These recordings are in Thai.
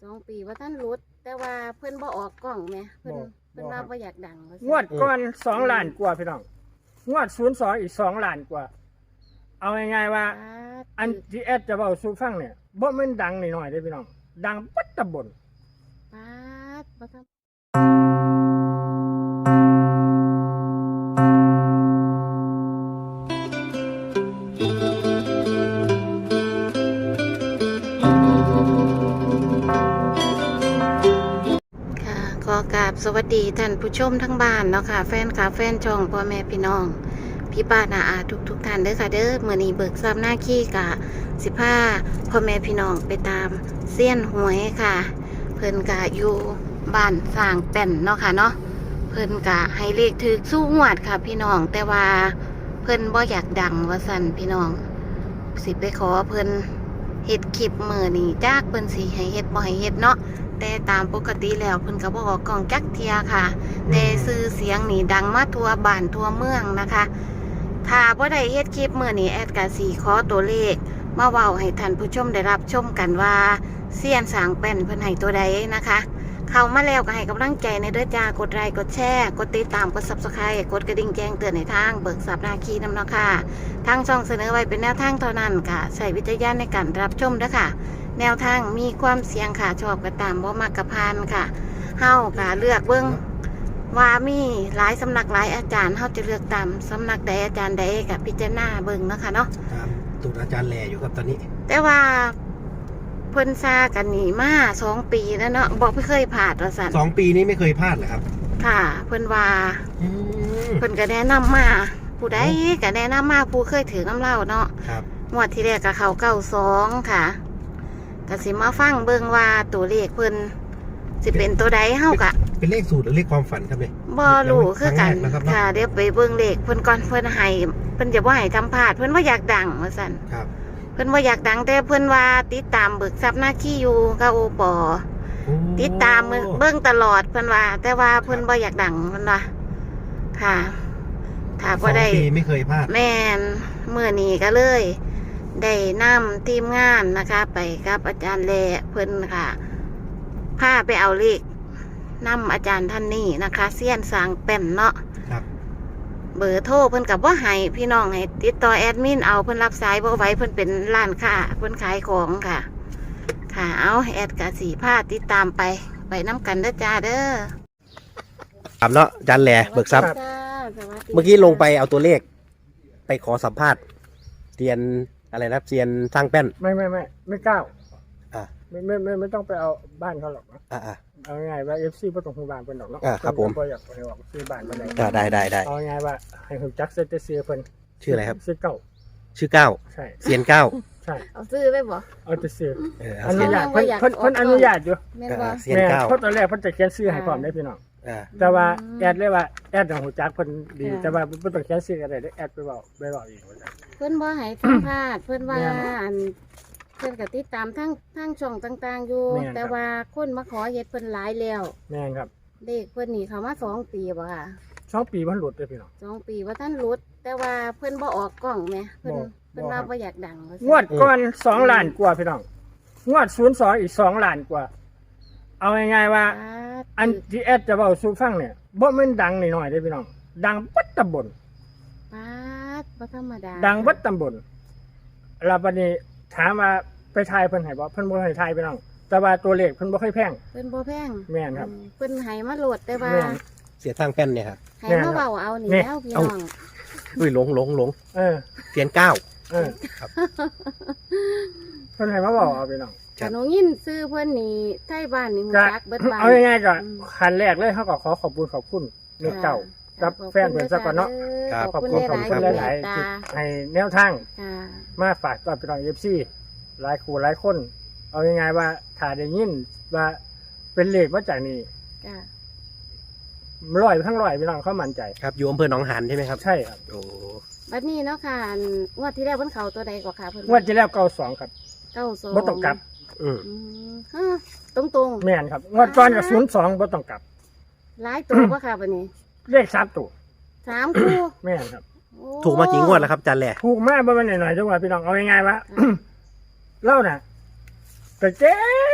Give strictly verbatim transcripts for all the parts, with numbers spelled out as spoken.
องปีว่าท่านรุดแต่ว่าเพิ่นบ่ออกกล้องแหมเพิ่นเพิ่นว่าบ่อยากดังงวดก่อนสองล้านกว่าพี่น้องงวดศูนย์สองอีกสองล้านกว่าเอาง่ายๆว่าอันที่แอดจะเบาสู่ฟังเนี่ยบ่แม่นดังหน่อยๆเด้อพี่น้องดังปัดตะบนปาดบ่ทำขอกราบสวัสดีท่านผู้ชมทั้งบ้านเนาะค่ะแฟนคลับแฟนช่องพ่อแม่พี่น้องพี่ป้านาอาทุกทุกท่านเด้อค่ะเด้อมื้อนี้เบิกทรัพย์หน้าขี้กะสิพาพ่อแม่พี่น้องไปตามเซียนหวยค่ะเพิ่นกะอยู่บ้านสร้างแป้นเนาะค่ะเนาะเพิ่นกะให้เลขถึกสู้งวดค่ะพี่น้องแต่ว่าเพิ่นบ่อยากดังว่าซั่นพี่น้องสิไปขอเพิ่นเฮ็ดคลิปมื้อนี้จากเพิ่นสิให้เฮ็ดบ่ให้เฮ็ดเนาะแต่ตามปกติแล้วเพิ่นก็บ่ออกกล้องจักเทียค่ะแต่ชื่อเสียงนี่ดังมาทั่วบ้านทั่วเมืองนะคะถ้าบ่ได้เฮ็ดคลิปมื้อนี้แอดก็สิขอตัวเลขมาเว้าให้ท่านผู้ชมได้รับชมกันว่าเซียนสร้างแป้นเพิ่นให้ตัวใดนะคะเข้ามาแล้วก็ให้กำลังใจในเด้อจ้ากดไลค์กดแชร์กดติดตามกด ซับสไครบ์ กดกระดิ่งแจ้งเตือนในทางเบิกทรัพย์นาคีนำเนาะค่ะทางช่องเสนอไว้เป็นแนวทางเท่านั้นค่ะใช้วิจารณญาณในการรับชมเด้อค่ะแนวทางมีความเสี่ยงค่ะชอบก็ตามบ่มักกะพานค่ะเฮาก็เลือกเบิ่งว่ามีหลายสำนักหลายอาจารย์เฮาจะเลือกตามสำนักใดอาจารย์ใดก็พิจารณาเบิ่งเนาะค่ะเนาะตามตูดอาจารย์แหล่อยู่ครับตอนนี้แต่ว่าเพิ่นซากันนี่มาสองปีแล้วเนาะบอกไม่เคยผ่านว่าซั่นสองปีนี้ไม่เคยพลาดเหรอครับค่ะเพิ่นว่าเพิ่นก็แนะนำมาผู้ใดก็แนะนำมาผู้เคยถือน้ำเหล้าเนาะครับงวดที่แรกก็เข้าเก้าสองค่ะก็สิมาฟังเบิ่งว่าตัวเลขเพิ่นสิเป็นตัวใดเฮากะเป็นเลขสูตรหรือเลขความฝันครับเนี่ยบ่รู้คือกันค่ะเดี๋ยวไปเบิ่งเลขเพิ่นก่อนเพิ่นให้เพิ่นจะบ่ให้ทำพลาดเพิ่นว่าอยากดังว่าซั่นครับเพิ่นว่าอยากดังแต่เพิ่นว่าติดตามเบิกทรัพย์หน้าขี้อยู่กับโอปอติดตามเบิ่งตลอดเพิ่นว่าแต่ว่าเพิ่นบ่อยากดังเพิ่นว่าค่ะถ้าบ่ได้สองปีไม่เคยพลาดแม่นมื้อนี้ก็เลยได้นำทีมงานนะคะไปกับอาจารย์แลเพิ่นค่ะพาไปเอาเลขนำอาจารย์ท่านนี้นะคะเซียนสร้างแป้นเนาะครับเบอร์โทรเพิ่นกับว่าให้พี่น้องให้ติดต่อแอดมินเอาเพิ่นรับสายบ่ไหวเพิ่นเป็นร้านค้าเพิ่นขายของค่ะค่ะเอาแอดกะสีผ้าติดตามไปไปน้ำกันเด้อจ้าเด้อครับเนาะอาจารย์แหล่เบิกทรัพย์เมื่อกี้ลงไปเอาตัวเลขไปขอสัมภาษณ์เรียนอะไรนะเรียนสร้างแป้นไม่ไม่ไม่ไม่กล้าอ่าไม่ไม่ไม่ไม่ต้องไปเอาบ้านเขาหรอกนะอ่าเอาง่ายว่าเอฟซีไม่ต้องหูบ้านเป็นหรอกเนาะอ่าครับผมก็อยากไปออกซื้อบ้านมาเลยได้ได้ได้เอาง่ายว่าให้หุ่นจักเซตเซียเพิ่นชื่ออะไรครับชื่อเก้าชื่อเก้าใช่เซียนเก้าใช่เอาซื้อไปบ่เอาจะซื้ออนุญาตเพิ่นเพิ่นเพิ่นอนุญาตอยู่เซียนเก้าเพราะตอนแรกเพิ่นจะเขียนชื่อให้พร้อมได้พี่น้องแต่ว่าแอดเลยว่าแอดของหุ่นจักเพิ่นดีแต่ว่าเพิ่นต้องเขียนชื่ออะไรได้แอดไปบอกไปบอกอีกเพิ่นบ่ให้สัมภาษณ์เพิ่นว่าอันเพิ่นก็ติดตามทั้งทั้งช่องต่างๆอยู่แต่ว่าคนมาขอเฮ็ดเพิ่นหลายแล้วแม่นครับเด็กเพิ่นนี่เขามาสองปีบ่ค่ะสองปีมันหลุดเลยพี่น้องสองปีว่าท่านรุดแต่ว่าเพิ่นบ่ออกกล้องแหมเพิ่นเพิ่นว่าบ่อยากดังงวดก่อนสองล้านกว่าพี่น้องงวดศูนย์สองอีกสองล้านกว่าเอาง่ายๆว่าอันที่แอดจะเบาสู่ฟังเนี่ยบ่แม่นดังหน่อยๆเด้อพี่น้องดังปัดตำบลปาดบ่ธรรมดาดังปัดตำบลแล้วบัดนี้ถามว่าไปทายเพิ่นให้บ่เพิ่นบ่ให้ทายพี่น้องแต่ว่าตัวเลขเพิ่นบ่ค่อยแพงเพิ่นบ่แพงแม่นครับเพิ่นให้มาโหลดแต่ว่าเสียทางแป้นเนี่ยครับให้มาเว้าเอานี่แล้วพี่น้องอุ้ยหลงหลงหลงเออเซียนเก้าเออครับเพิ่นให้มาเว้าเอาพี่น้องหนูยินซื้อเพิ่นนี่ไทบ้านนี่ฮู้จักเบิดบ้านเอาง่ายๆก็ขั้นแรกเลยเฮาก็ขอขอบคุณขอบคุณเด็กเก่ากับแฟนเพิ่นซะก่อนเนาะขอบคุณขอบคุณหลายๆที่ให้แนวทางมาฝากตอนพี่น้อง เอฟ ซี หลายคู่หลายคนเอาง่ายๆว่าถ้าได้ยินว่าเป็นเลขมาจากนี่ร้อยทั้งร้อยพี่น้องเขามั่นใจครับอยู่อำเภอหนองหานใช่ไหมครับใช่ครับโอ้บัดนี้เนาะค่ะงวดที่แล้วเพิ่นเข้าตัวใดกว่าค่ะเพิ่นงวดที่แล้วเก้าสองครับเก้าสองบ่ต้องกลับอืมฮะตรงๆแม่นครับงวดก่อนก็ศูนย์สองบ่ต้องกลับหลายตัวบ่ค่ะบัดนี้เลขสามตัวสามคู่แม่นครับถูกมากี่งวดแล้วครับอาจารย์แหล่ถูกมากบ่แม่นหน่อยๆจังหวะพี่น้องเอาง่ายๆว่าเล่าน่ะแต่เจ๊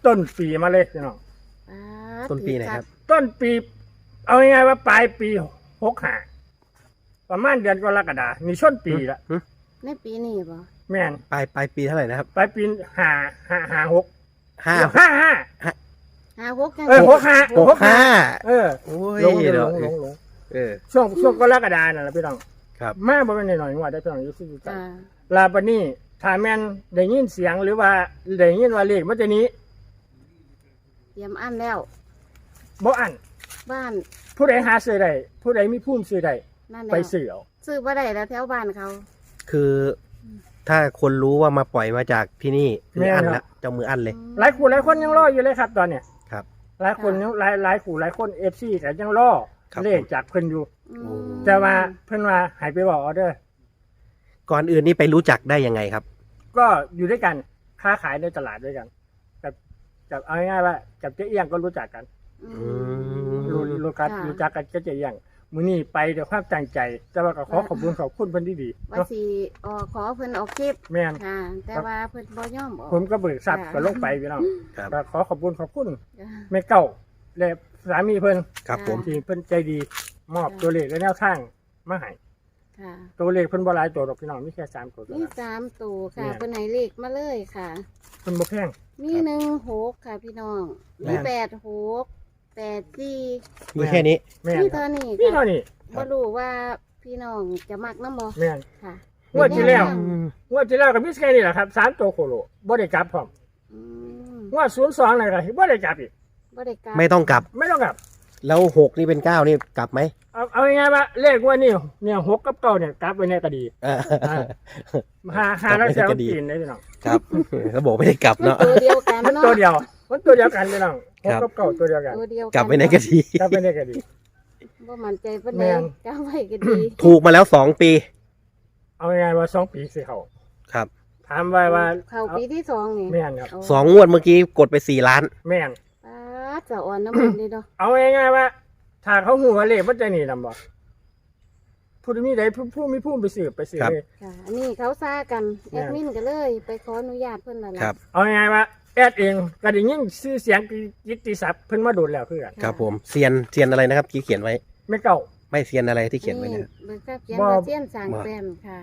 ต้นปีมาเลยพี่น้องอ่าต้นปีไหนครับต้นปี เอาง่ายๆว่าปลายปีหกห้าประมาณเดือนกรกฎาคมนี่ช่วงปีละหึในปีนี้บ่แม่นปลายปลายปีเท่าไหร่นะครับปลายปีห้าห้าห้าหกห้าห้าห้าห้าหกจังเออหกห้าหกห้าเออโอ้ยลงลเดี๋ยวงลงลงเออช่วงช่วงกรกฎาคมนั่นแหละพี่น้องครับมาบ่เป็นหน่อยๆว่าได้พี่น้องอยู่ที่อยู่กันจ้าลาบันนี้ถ้าแม่นได้ยินเสียงหรือว่าได้ยินว่าเลขมันจะนี้เตรียมอันแล้วบ่อันบ้านผู้ใดหาซื้อได้ผู้ใดมีภูมิซื้อได้นั่นแหละไปซื้อเอาซื้อบ่ได้แล้วแถวบ้านเขาคือถ้าคนรู้ว่ามาปล่อยมาจากที่นี่คืออันละเจ้ามืออันเลยหลายคู่หลายคนยังรออยู่เลยครับตอนเนี้ยครับหลายคนยังหลายหลายคู่หลายคน เอฟ ซี แต่ยังรอครับเลขจากเพิ่นอยู่อืโอ้มแต่ว่าเพิ่นว่าให้ไปบอกออเดอร์ก่อนอื่นนี่ไปรู้จักได้ยังไงครับก็อยู่ด้วยกันค้าขายในตลาดด้วยกันกับกับเอาง่ายๆว่ากับเจ๊เอียงก็รู้จักกันอือืมมรู้รู้กันค่ะรู้จักกันก็เจ๊เอียงมื้อนี้ไปด้วยความตั้งใจ แต่ว่าก็ขอขอบคุณขอบคุณเพิ่นดีๆว่าเนาะสิออกขอเพิ่นออกคลิปแม่นค่ะ แต่ว่าเพิ่นบ่ยอมออกผมก็เบิกทรัพย์ค่ะก็ลงไปพี่น้องครับก็ขอขอบคุณขอบคุณจ้าแม่เก่าและสามีเพิ่นครับผมที่เพิ่นใจดี มอบค่ะตัวเลขและแนวทางมาให้ค่ะตัวเลขเพิ่นบ่หลายตัวหรอกพี่น้องมีแค่สามตัวเท่ามีนั้นสามตัวค่ะเนี่ยเพิ่นให้เลขมาเลยค่ะเพิ่นบ่แพงมีหนึ่งหกค่ะพี่น้องแม่มีนแปดหกแปดสี่มีแค่นี้แม่นมีครัเท่าบนี้พี่ค่ะเท่านี้ครับบ่รู้ว่าพี่น้องจะมักน้ำบ่แม่นค่ะงวดที่แล้วอืมงวดที่แล้วก็มีแค่นี้แหละครับสามตัวโคโลบ่ได้กลับพร้อมอืมงวดศูนย์สองนั่นก็บ่ได้กลับอีกบ่ได้กลับไม่ต้องกลับไม่ต้องกลับแล้วหกนี่เป็นเก้านี่กลับไหมเอาเอาง่ายๆว่าเลขงว่านี่เนี่ยหกกับเก้าเนี่ยกลับไว้ในก็ดีอ่าอ่า หาหาแล้วกจะลับเอาไปในก็ดีกินได้พี่น้องครับเขาบอกไม่ได้กลับมันเนาะตัวเดียวกันมันเนาะตัวเดียวมันตัวเดียวกันพี่น้องหคกรับกับเก้าตัวเดียวกันตัวเดียวกลับไปในก็ดีกลับไว้ในก็ดีบ่มั่นใจปานแม่ใดนกลับไว้ก็ดีถูกมาแล้วสองปีเอาง่ายๆว่าสองปีสิเขาครับถามว่าว่าเข้าปีที่สองนี่แม่นครับโอ้สองงวดเมื่อกี้กดไปสี่ล้านแม่นป๊าดจะอ่อนน้ำมันเลยเนาะเอาง่ายๆว่า ถ้าเขาหูว่าเลขมันจะหนีนำบ่ผู้ที่มีใดผู้ผู้มีผู้ไปสืบไปสืบครับเลยค่ะ อันนี้เขาซ่ากันแม่แอน ดมินก็เลย ไปขออนุญาตเพิ่นนั่นแหละครับเอาง่ายๆว่าแอดเองก็ได้ยินชื่อเสียงกิตติศัพท์เพิ่นมาโดดแล้วคือกันครับผมเซียนเซียนอะไรนะครับที่เขียนไว้ไม่เก่าไม่เซียนอะไรที่เขียนไว้เนี่ยเบิกทราบเขียนบ่ว่าเสี้ยนสางบ่แปมค่ะ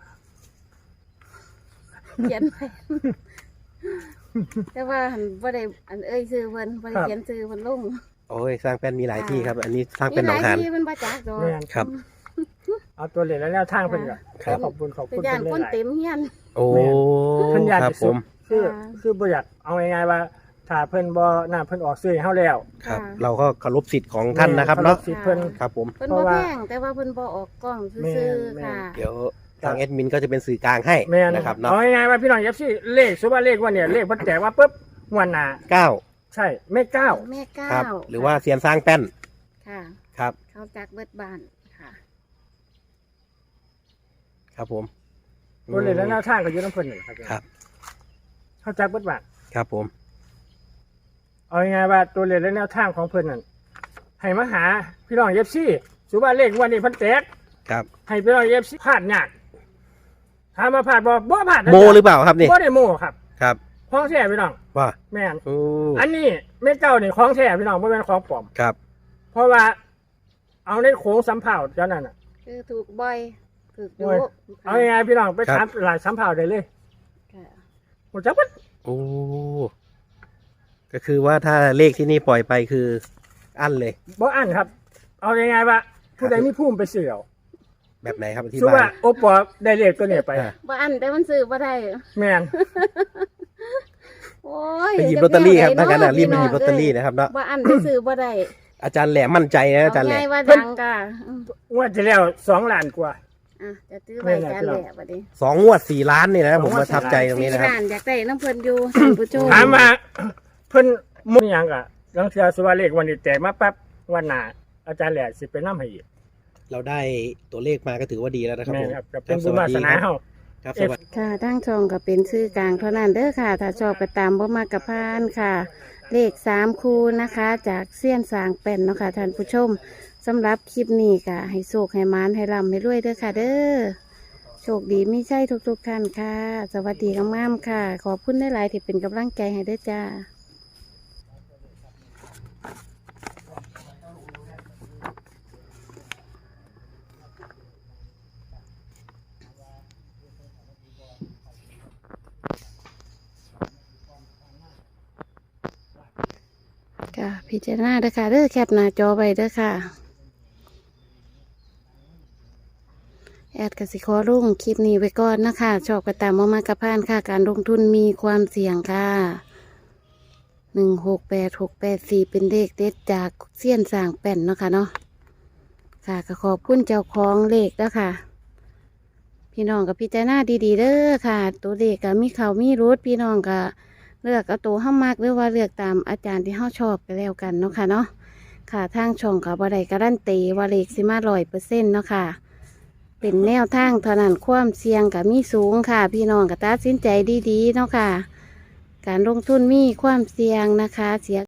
เขียนไปแต่ว่าหันบ่ได้อันเอ้ยซื้อเพิ่นบ่ได้เขียนซื้อเพิ่นลงโอ้ยสร้างแป้นมีหลายที่ครับ อันนี้สร้างมีเป็นหหนอลาง ยหานที่เพิ่นบ่จักดอกแม่นครับเอาตัวเลขและแนวทางเพิ่นก็ครัขอบ ขอบคุณขอบเป็นคุณย่านเพิ่นคนหลายเต็มเฮียนโอ้เพิ่นอยากครับจะผสุมดคือค่ะคือบ่อยากเอาง่ายๆว่า ถ้าเพิ่นบ่น่าเพิ่นออกซื้อให้เฮาแล้วครับค่ะเราก็เคารพสิทธิ์ของท่านนะครับเนาะสิทธิ์เพิ่นครับผมเพิ่นเพบ่ราะว่าแพงแต่ว่าเพิ่นบ่ออกกล้องซื่อแม่นๆค่ะเดี๋ยวทางแอดมินก็จะเป็นสื่อกลางให้แม่นนะครับเนาะเอาง่ายๆว่าพี่น้อง เอฟ ซี เลขสมมุติว่าเลขว่าเนี่ยเลขเพิ่นแจกว่าปุ๊บงวดหน้าเก้าใช่ไม่เก้าแม่ก้าครับวหรือว่าเซียนสร้างแป้นค่ะครับเขาจักเบิดบ้านค่ะครับผมตัวเลขและแนวทางก็อยู่นำเพิ่นนี่ครับครับเข้าจักเบิดบาทครับผมเอาง่ายๆว่าตัวเลขและแนวทางของเพิ่นนั่นให้มาหาพี่น้อง เอฟ ซี สมมุติว่าเลขงวันนี้เพิ่นแจกครับให้พี่น้อง เอฟ ซี พลาดยากถามมาพลาดบ่บ่พลาดนะโมหรือเปล่าครับนี่บ่ได้โมครับครับของแท้พี่น้องว่าแม่นโอ้อันนี้แม่เจ้านี่ของแท้พี่น้องบ่แม่นของปลอมครับเพราะว่าเอาในโค้งสำเภาเจ้านั่นน่ะคือถูกบ่อยถูกโอ้ดุย เอาง่ายๆพี่น้องไปถามหลายสำเภาได้เลยค่ะโอ้จักบ่โอ้ก็คือว่าถ้าเลขที่นี่ปล่อยไปคืออั้นเลยบ่อันครับ เอาง่ายๆว่าผู้ใดมีภูมิไปเสี่ยวแบบไหนครับที่ชื่อบ้าว่าน โอปอได้เลขตัวเนี้ยไปอ่ะบ่อันแต่มันซื้อบ่ได้แม่นโอ้ยไปหยิบลอตเตอรี่ครับถ้างั้นอ่ะรีบไปหยิบลพี่อตเตอรี่นะครับเนาะบ่อันแต่ซื้อบ่ได้อาจารย์แหลมมั่นใจนะอาจารย์แหลเง่ายมว่าดังค่ะอืมงวดที่แล้วสองล้านกว่าอ่ะจะซื้อไว้กันแหละบัดนี้สองงวดสี่ล้านนี่นะผมสองงวดประทับใจตรงนี้สี่นะครับล้านอยากได้น้ำเพิ่นอยู่ท่านผู้ชมถามมาเพิ่นมุ่งหยังกะลังเทือสุวาเลขวันนี้แตกมาปั๊บวันหน้าอาจารย์แหล่สิไปนำให้อีกเราได้ตัวเลขมาก็ถือว่าดีแล้วนะครับแม่ผมนครับก็เป็นบุญวาสนาเฮาครับสวัสดีค่ะทั้งช่องก็เป็นชื่อกลางเท่านั้นเด้อค่ะ ถ้าชอบก็ตามบ่มากกับพานค่ะ เลขสามคูนะคะ จากเสี้ยนสางเป็นเนาะค่ะท่านผู้ชมสำหรับคลิปนี้ก็ให้โชคให้มานให้ร่ำให้รวยเด้อค่ะ เด้อโชคดีไม่ใช่ทุกๆท่านค่ะ สวัสดีงามๆค่ะ ขอบคุณได้หลายๆที่เป็นกำลังใจให้เด้อจ้าค่ะพิจารณาเด้อค่ะเด้อแคปหน้าจอไว้เด้อค่ะแอดกสิขอลงคลิปนี้ไว้ก่อนนะคะชอบกระตามมามากระพานค่ะการลงทุนมีความเสี่ยงค่ะหนึ่งหกแปดหกแปดสี่เป็นเลขเด็ดจากเสี้ยนสร้างแป่นเนาะค่ะเนาะค่ะก็ขอบคุณเจ้าของเลขแล้วค่ะพี่น้องกับพิจารณาดีๆเด้อค่ะ ตัวเลขก็มีเขามีรูทพี่น้องก็เลือกเอาตัวห้ามากหรือว่าเลือกตามอาจารย์ที่ห้าชอบก็แล้วกันเนาะค่ะเนาะค่ะทางช่องกับบัไดการันตีว่าเลขสิมาร้อยเปอร์เซ็นต์เนาะค่ะเป็นแนวทางเท่านั้นความเสี่ยงกับมีสูงค่ะ พี่น้องก็ตัดสินใจดีๆเนาะค่ะการลงทุนมีความเสี่ยงนะคะเสีย